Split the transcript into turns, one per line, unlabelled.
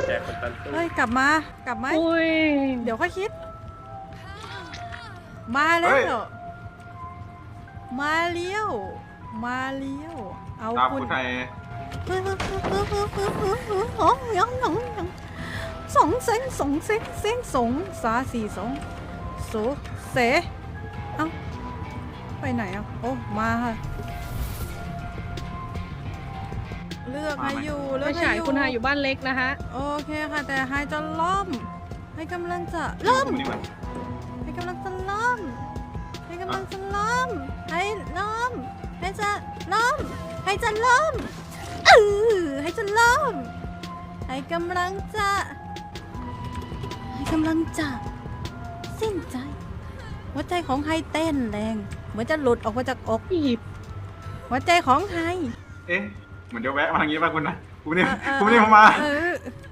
แจกคนตันตู้
เฮ้ยกลับมากลับไหม
อุ้ย
เดี๋ยวค่อยคิด มาแล้ว มาเลี้ยว มาเลี้ยว เอา
ตาม
คุ
คุณ ณไทย
สองเซ็งสองเซ็งเซ็งสองสาสี่สองโสเสเอ้าไปไหนอ่ะโอ้มาค่ะเลือกให้อยู่เลื
ไม่
อกให้
ฉาย
อยู่
คุณหายอยู่บ้านเล็กนะคะ
โอเคค่ะแต่ไฮจะล่มให้กำลังจะล่ม
นี่มัน
ให้กำลังจะล่มให้กำลังจะล่มให้ล่มให้จะล่มให้จะล่มให้จะล่มให้กำลังจะให้กำลังจะสิ้นใจหัวใจของไฮเต้นแรงเหมือนจะหลุดออกมาจากอก
หยิบ
หัวใจของไฮ
เอ๊ะเหมือนเดี๋ยวแวะมาทางนี้ป่ะคุณนะคุณนี่
เออ
คุณนี่ผมมา
เออ